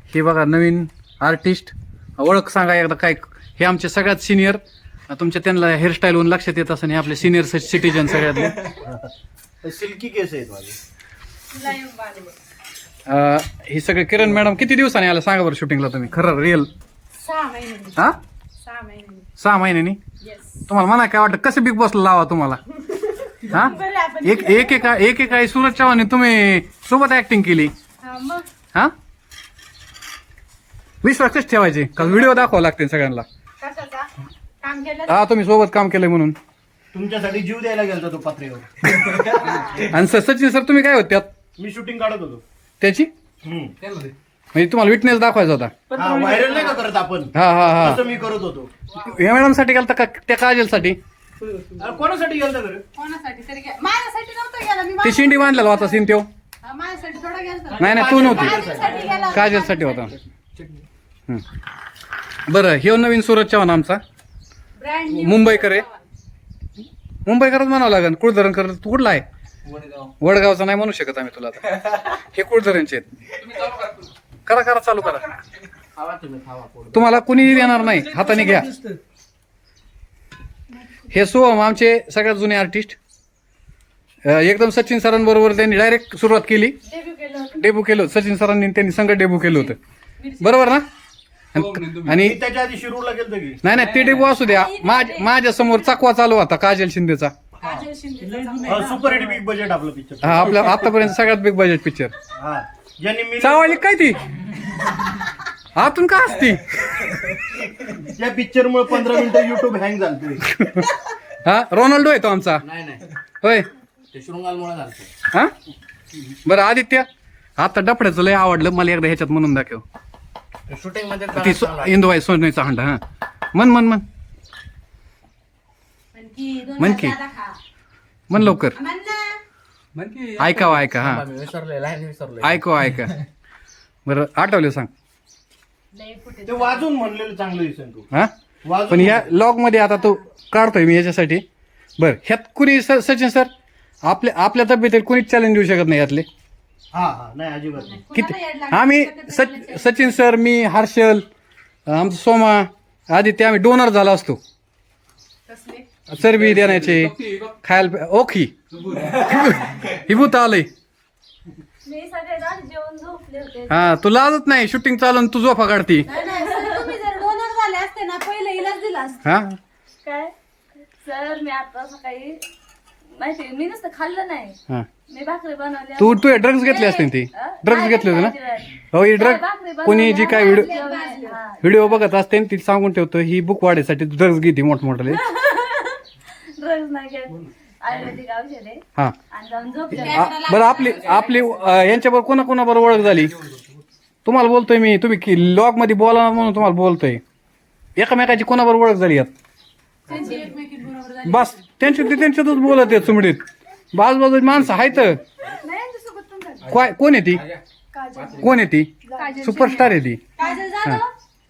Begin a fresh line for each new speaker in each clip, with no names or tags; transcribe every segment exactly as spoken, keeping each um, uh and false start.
हे बघा नवीन आर्टिस्ट, ओळख सांगा एकदा काय. हे आमचे सगळ्यात सिनियर, तुमच्या त्यांना हेअरस्टाईलवरून लक्षात येत असं. हे आपले सिनियर सिटीजन सगळ्यातले.
सिल्की केस आहेत माझे.
हे सगळे किरण मॅडम किती दिवसांनी आला सांगा बरं शूटिंगला तुम्ही? खरं रिअल
सहा महिने
हा
सहा महिने
सहा महिन्यांनी. तुम्हाला म्हणा काय वाटतं कसं बिग बॉसला लावा तुम्हाला? हा एक एक एका एक एका सूरज चव्हाण तुम्ही सोबत ऍक्टिंग केली.
मग
हा विश्वास कसे ठेवायचे का? व्हिडिओ दाखवा लागते सगळ्यांना.
कशाचा काम केलं?
हा तुम्ही सोबत काम केलंय म्हणून.
तुमच्यासाठी जीव द्यायला गेलतो तो पत्रेवर.
आणि सर सचिन सर तुम्ही काय होत त्यात?
मी शूटिंग काढत होतो
त्याची म्हणजे तुम्हाला विटनेस दाखवायचा होता.
व्हायरल नाही का करत आपण,
हा हा हा
तसं मी करत होतो.
या मॅडम साठी गेलता का त्या काजलसाठी?
अरे कोणासाठी गेलता बरं?
कोणासाठी तरी गे- माझ्यासाठी नव्हतं गेला मी.
ती शिंडी बांधलेला होता सीन त्यो.
हा, माझ्यासाठी थोडा गेलता.
नाही नाही तू नव्हती,
माझ्यासाठी गेला.
काजलसाठी होता. हम्म. बरं हे नवीन सूरज चव्हाण आमचा
ब्रँड न्यू
मुंबईकर आहे. मुंबईकरच म्हणावं लागेल. कुळधरण कर तू कुठला आहे? वडगावचा नाही म्हणू शकत आम्ही तुला आता. हे कुळधरणचे आहेत. करा करा चालू करा. तुम्हाला कुणी देणार नाही, हाताने घ्या. हे सोहम आमचे सगळ्यात जुने आर्टिस्ट. एकदम सचिन सरांबरोबर त्यांनी डायरेक्ट सुरुवात केली,
डेब्यू केलं होतं.
डेब्यू केलं होतं. सचिन सरांनी त्यांनी संगत डेब्यू केलं होतं, बरोबर ना? आणि
मी त्याच्या आधी शिरूरला गेलतो की.
नाही नाही ते डेब्यू असू द्या. माझ्या समोर चकवा चालू होता काजल शिंदेचा.
Kajal Shinde.
Super hit big budget आपलं पिक्चर.
हा आपल्या आतापर्यंत सगळ्यात बिग बजेट पिक्चर.
हा ज्यांनी मी
चावली काय ती आतून का असती?
त्या पिक्चर मुळे पंधरा मिनिटं युट्यूब हँग झालतोय.
हा रोनाल्डो आहे तो आमचा.
नाही नाही
होय
ते शृंगालमुळे झालं.
हा बरं आदित्य, आता डफड्याचं लय आवडलं मला, एकदा ह्याच्यात म्हणून दाखव.
शूटिंग मध्ये
ती सो- इंदुबाई सोनेचा हंडा. हा मन मन मन
आणखी दोन
म्हण की.
दादा खा.
मन लवकर
म्हण ना.
ऐकावं ऐका. हा
विसरलोय लाईन विसरलोय.
ऐकू ऐका. बरं आठवलं सांग.
लय फुटे.
ते वाजून म्हणलेलं चांगलं दिसेल तू.
हा
वाजून
पण या लॉग मध्ये आता तो काढतोय मी याच्यासाठी. बरं ह्यात कुणी स- सचिन सर आपल्या आपल्या तब्येतीत कुणीच चॅलेंज देऊ शकत नाही यातले.
हा हा नाही अजिबात नाही.
किती
कुणाला येड लागलं?
आम्ही सच सचिन सर, मी, हर्षल, आमचं सोमा, आदित्य आम्ही डोनर झाला असतो.
कसले?
चरबी देण्याचे खायला प्या- ओखी ही भूत आलंय.
मी सगळे जण जेवण झोपले होते.
हा तू लाजत नाही शूटिंग चालून तू झोपा काढती.
नाही नाही सर, तुम्ही जर डोनर झाले असते ना पहिले इलाज दिला असता.
हा
काय सर मी आता सकाळी माहिती मी नुसतं खाल्लं नाही,
हा
मी भाकरी बनवली.
तू तू ड्रग्ज घेतले असते ती. ड्रग्ज घेतले होते ना? हो ही ड्रग कोणी जी काय व्हिडिओ व्हिडिओ बघत असते ती सांगून ठेवतो ही बुक वाढीसाठी ड्रग्ज घेते मोठमोठे.
ड्रग्ज नाही घेत, आयुर्वेदिक औषध आहे.
हा
आणि जाऊन झोपले.
आ- बरं आपली आपली अं, यांच्याबरोबर कोणा कोणाबरोबर ओळख झाली? तुम्हाला बोलतोय मी, तुम्ही लॉग मध्ये बोला म्हणून तुम्हाला बोलतोय. एकमेकाची कोणाबरोबर ओळख झाली यात?
त्यांची एकमेकींबरोबर झाली.
बस त्यांच्या ते त्यांच्यातच बोलत आहेत सुमडीत. बाजूबाजूची माणसं आहेत.
नाही यांच्यासोबत पण झालं.
काय कोण आहे ती?
काजल.
कोण आहे ती? सुपरस्टार आहे ती.
काजल जाधव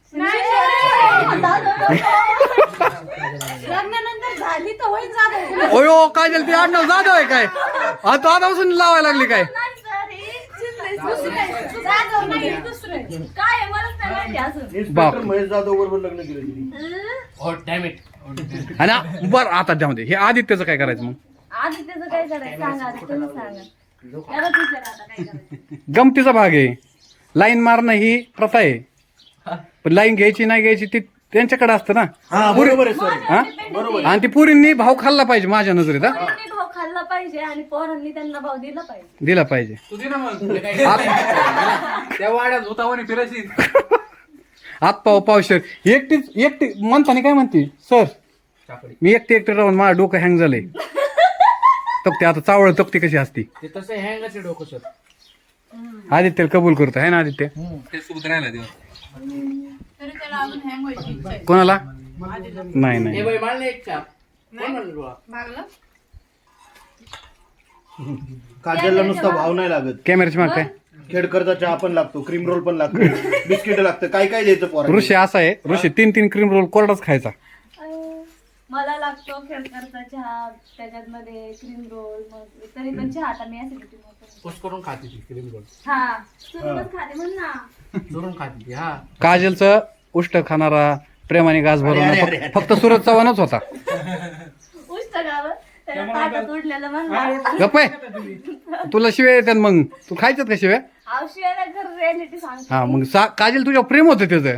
लग्नानंतर झाली तर होईल जाधव.
ओयो काजल ती आडनाव जाधव आहे काय? आता आतापासून लावायला लागली काय?
नाही सर, हे चिडलंय.
दुसरं आहे. जाधव नाही दुसरं आहे.
काय आहे मलाच नाही माहिती अजून.
इन्स्पेक्टर महेश जाधव बरोबर लग्न केलं तिने.
हो डॅम इट.
आणि बरं आता त्यामध्ये हे आदित्यचं काय करायचं मग?
आधी त्याचं काय करायचं सांगा, आधी तुम्ही सांगा. त्यालाच विचारा आता काय करायचं.
गमतीचा भाग आहे. लाईन मारणं ही प्रथा आहे, पण लाईन घ्यायची नाही घ्यायची ती त्यांच्याकडे असतं ना.
हा बरोबर आहे सर.
हा आणि ती पुरींनी भाव खाल्ला पाहिजे माझ्या नजरेत. हा
पोरांनी भाव खाल्ला पाहिजे आणि पोरांनी त्यांना भाव दिला पाहिजे.
दिला पाहिजे.
त्या वाड्यात होता म्हणे फिरायची.
आत पाव पावशर एकटीच एकटी म्हणताना काय म्हणते सर मी एकटे एकटे राहून माझं डोकं हँग झालंय. तक्ती आता चावळ तक्ती कशी असती
ते तसं हँगच डोकं सर.
आदित्य कबूल करतो आहे ना आदित्य?
ते सोबत राहिला दिवस.
तरी त्याला अजून हँग व्हायची इच्छा आहे.
कोणाला? नाही
हे
नाही
बाई मारले एक चाप. कोण म्हणलं तुला?
मागलं
काजलला नुसता भाव नाही लागत.
कॅमेऱ्याची माग काय?
खेडकरचा चहा पण लागतो, क्रीम रोल पण लागतो, बिस्किट लागतं, काय काय द्यायचं पोरा.
ऋषी असा आहे, ऋषी तीन तीन क्रीम रोल कोरडाच खायचा.
अं, मला लागतो खेळकरचा चहा, त्याच्यात मध्ये क्रीम रोल, मग तरी पण चहा आता मी ऍसिडिटी
पोस्ट करून खाते ती क्रीम रोल.
हा तुम्ही पण खाते म्हण ना.
चुरून खाते ती, हा.
काजलचं उष्ट खाणारा प्रेमाने गाज भरून
अरे, अरे, अरे.
फक्त सूरज चव्हाणच होता.
उष्ट गावं त्याच्या ताटात उडलेलं म्हणलं
गप्प आहे तुला शिव्या येतात मग तू खायच्यात का शिव्या?
आवशियाला घर रियालिटी सांगते
हा मग सा- काजल तुझ्या प्रेम होतं त्याचं.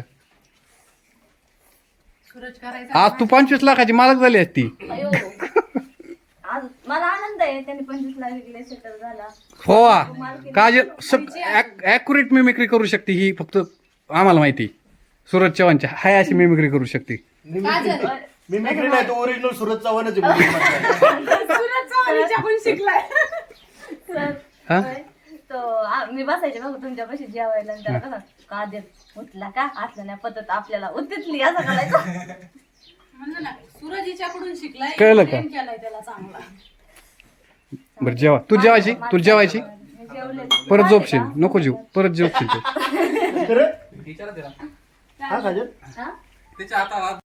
सूरज करायचा
आज तू पंचवीस लाखाची मालक झाली असती.
अयो आज मला आनंद आहे त्यांनी पंचवीस लाख विकले सेटल झाला
हो काजल ऍक्युरेट मिमिक्री करू शकते ही फक्त आम्हाला माहिती. सूरज चव्हाणच्या हाय अशी मिमिक्री करू शकते.
काजल
मी मित्र नाही तो ओरिजिनल सूरज चव्हाणच आहे मुलींमध्ये.
सूरज चव्हाणीच्या पण शिकलाय.
तर
हा?
होय. तो आ- मी बसायचे बघ तुमच्या पाशी जेवायला आणि त्याला कसं काजल उठला का असलं नाही पद्धत आपल्याला उतितली असं करायचं.
म्हणलं ना सूरज हिच्याकडून शिकलाय.
कळलं का?
प्रेम केलाय त्याला चांगला.
बरं जेवा तू जेवायची तू जेवायची
मी जेवले.
परत झोपशील नको जेव परत जेवशील तू.
खरं?
विचारा तिला.
हा काजल
हा?
तिच्या हाताला